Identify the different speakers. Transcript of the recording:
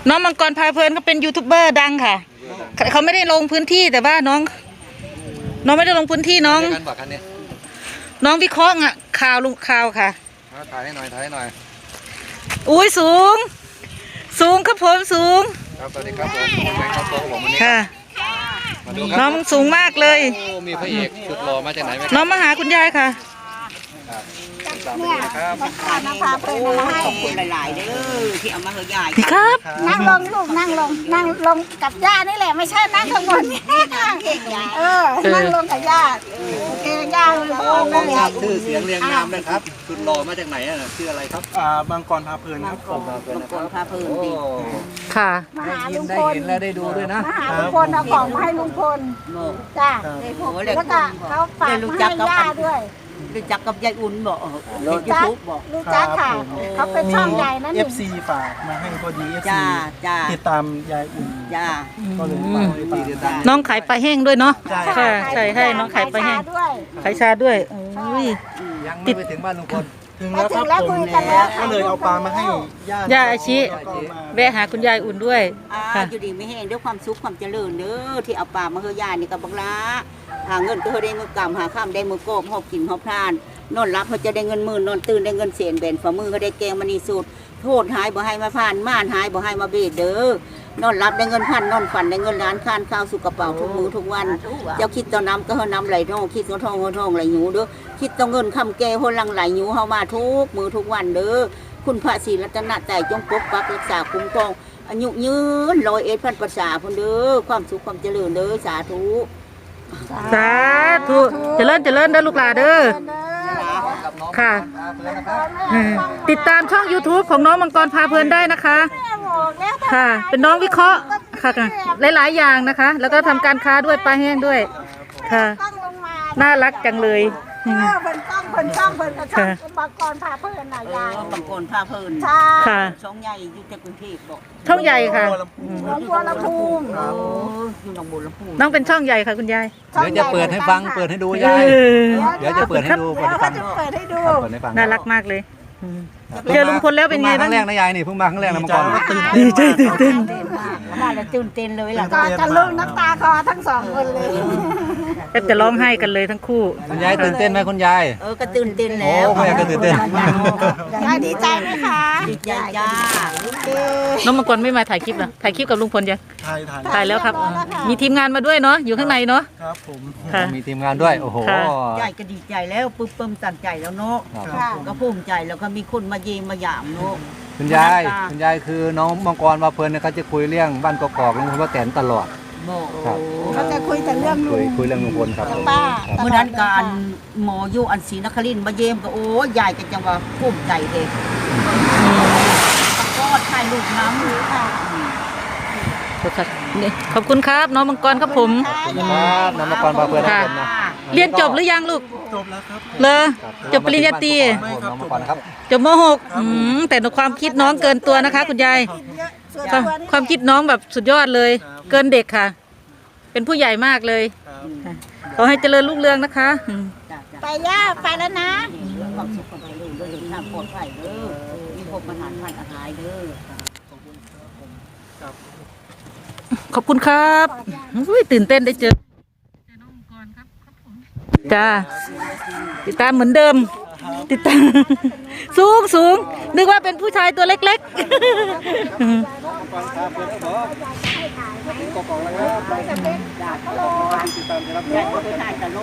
Speaker 1: น้องมังกรพาเพลินเขาเป็นยูทูบเบอร์ดังค่ะเขาไม่ได้ลงพื้นที่แต่ว่าน้องไม่ได้ลงพื้นที่น้องวิเคราะห์ข่าวลุงข่าวค่ะ
Speaker 2: ถ่ายให้หน่อย
Speaker 1: อุ้ยสูงครับผมสูง
Speaker 2: ครับสวัสดีครับผมแบงค์ครับผมวันนี้
Speaker 1: ค่ะน้องสูงมากเลย
Speaker 2: มีพระเอกสุดหล่อมาจากไหนไหม
Speaker 1: น้องมาหาคุณยายค่ะ
Speaker 3: เนี่ยมาพาเพลินมาให้ขอบคุณหลายๆเด้อที่เอามาเฮยาย
Speaker 1: ครับ
Speaker 3: นั่งลงลูกนั่งลงกับย่านี่แหละไม่ใช่นั่งข้างบนนั่งลงกับย่าโอเคย่า
Speaker 2: ชื่อเสียงเรียงนามนะครับสุดหล่อมาจากไหนชื่ออะไรครับ
Speaker 4: มังกรพาเพลินครับผม
Speaker 3: มังกรพาเพลินดี
Speaker 1: ค่ะ
Speaker 3: มาหาลุงพล
Speaker 2: ได้เห็นและได้ดูด้วยนะ
Speaker 3: มาหาลุงพลเอาของมาให้ลุงพลจ้าแล้วก็เขาฝากมาให้ย่าด้วยรู้จักกับยายอุ่นบอกยูทูบบอกรู้จักค่ะเขาเป็นช่องใหญ่นั่น
Speaker 4: FC ฝากมาให้พอดี FC ติดตามยายอุ่นก็เลยฝาก
Speaker 1: น้องขายปลาแห้งด้วยเนาะค่ะใช่ให้น้องขายปลาแห้งขายชาด้วย
Speaker 2: ยังไม่ไปถึงบ้านลุงพล
Speaker 4: ถึงแล้วครับผมก็เลยเอาปลามาให้
Speaker 1: ย่าอาชิแวะหาคุณยายอุ่นด้วย
Speaker 3: อยู่ดีไม่แห้งด้วยความสุขความเจริญเด้อที่เอาปลามาเฮยายนี่กับบังลาหาเงินก็ได้มือกำหาข้ามได้มือโกบหอบกินหอบพลานนอนรับเขาจะได้เงินหมื่นนอนตื่นได้เงินเสียนแบนฝ่ามือเขาได้แกงมันนี่สุดโทษหายบ่ให้มาผ่านม่านหายบ่ให้มาเบียดเด้อนอนรับได้เงินพันนอนฝันได้เงินล้านค้านข้าวสุกกระเป๋าทุกมือทุกวันเจ้าคิดต่อน้ำก็เฮาน้ำไหลท่องคิดต่อทองไหลหนูเด้อคิดต่อเงินคำแก่หัวลังไหลหนูเฮามาทุกมือทุกวันเด้อคุณพระศรีรัตนตรัยจงปกปักรักษาคุ้มครองอายุยืน101,000 พรรษาพุ่นเด้อความสุขความเจริญเด้อสาธุ
Speaker 1: เจริญเด้อลูกหลานเด้อค่ะติดตามช่อง YouTube ของน้องมังกรพาเพลินได้นะคะค่ะเป็นน้องวิเคราะห์ค่ะหลายๆอย่างนะคะแล้วก็ทำการค้าด้วยปลาแห้งด้วยค่ะน่ารักจังเลย
Speaker 3: เพิ่นช่องมังกรพาเพลินน่ะยายมังกรพาเพลินใช่ช่องใหญ่อยู่ที่กรุงเทพบอก
Speaker 1: ช่องใหญ่ค่ะ
Speaker 3: บัวลำพูอยู่หนองบัวลำพู
Speaker 1: น้องเป็นช่องใหญ่ค่ะคุณยาย
Speaker 2: เดี๋ยวจะเปิดให้ฟังเปิดให้ดูยายเดี๋ยวจะเปิดให้ดูเปิดให้ฟัง
Speaker 1: น่ารักมากเลยเจอลุงพลแล้วเป็นไงบ้าง
Speaker 2: ครั้งแรกนะยายนี่เพิ่งมาครั้งแรกนะมังกร
Speaker 1: ดีใจตื่นเต้น
Speaker 3: มาแล้วตื่นเต้นเลยล่ะกันลูกน้ำตาคอทั้งสองคนเลย
Speaker 1: จะร้องไห้กันเลยทั้งคู่
Speaker 2: คุณยายตื่นเต้นไหมคุณยาย
Speaker 3: ก็ตื่นเต้นแล้ว
Speaker 2: คุณยายก็ตื่นเต้น
Speaker 3: ยายดีใจไหมคะดีใจจ้า
Speaker 1: น้องมังกรไม่มาถ่ายคลิปเหรอถ่ายคลิปกับลุงพลยังถ่ายแล้วครับมีทีมงานมาด้วยเนาะอยู่ข้างในเนาะ
Speaker 4: ครับผม
Speaker 2: มีทีมงานด้วยโอ้โห
Speaker 3: ยายก็ดีใจแล้วปึ๊บตันใจแล้วเนาะก็ภูมิใจแล้วก็มีคนมาเยี่ยมมาหยามเนาะ
Speaker 2: คุณยายคือน้องมังกรมาเพลินเนี่ยเขาจะคุยเรื่องบ้านกอกๆลุงพลป้าแตนตลอด
Speaker 3: เขาจะคุยแต่เรื่อง
Speaker 2: คุยเรื่องลุงพลครับ
Speaker 3: ป้าเมื่อนั้นการหมออยู่อันศรีนครินทร์มาเยี่ยมก็โอ้ยายก็จังว่าภูมิใจเองก็ถ่ายรูปน้ำค่ะ
Speaker 1: ขอบคุณครับน้องมังกรครับผม
Speaker 2: ครับน้องมังกรมาเพลินครับ
Speaker 1: เรียนจบหรือยังลูก
Speaker 4: จบแล้วครับ
Speaker 1: เลยจบปริญญาตรีจบม.6แต่ในความคิดน้องเกินตัวนะคะคุณยายความคิดน้องแบบสุดยอดเลยเกินเด็กค่ะเป็นผู้ใหญ่มากเลยขอให้เจริญรุ่งเรืองนะคะ
Speaker 3: ไปย่าไปแล้วนะความสุขความเจริญด้วยทางปลอดภัยเด้อมีพบปัญหาผ่านอาหารเด้อ
Speaker 1: ขอบคุณครับตื่นเต้นได้เจอน้องมังกรครับจ้าติดตามเหมือนเดิมติดตามสูงนึกว่าเป็นผู้ชายตัวเล็กๆ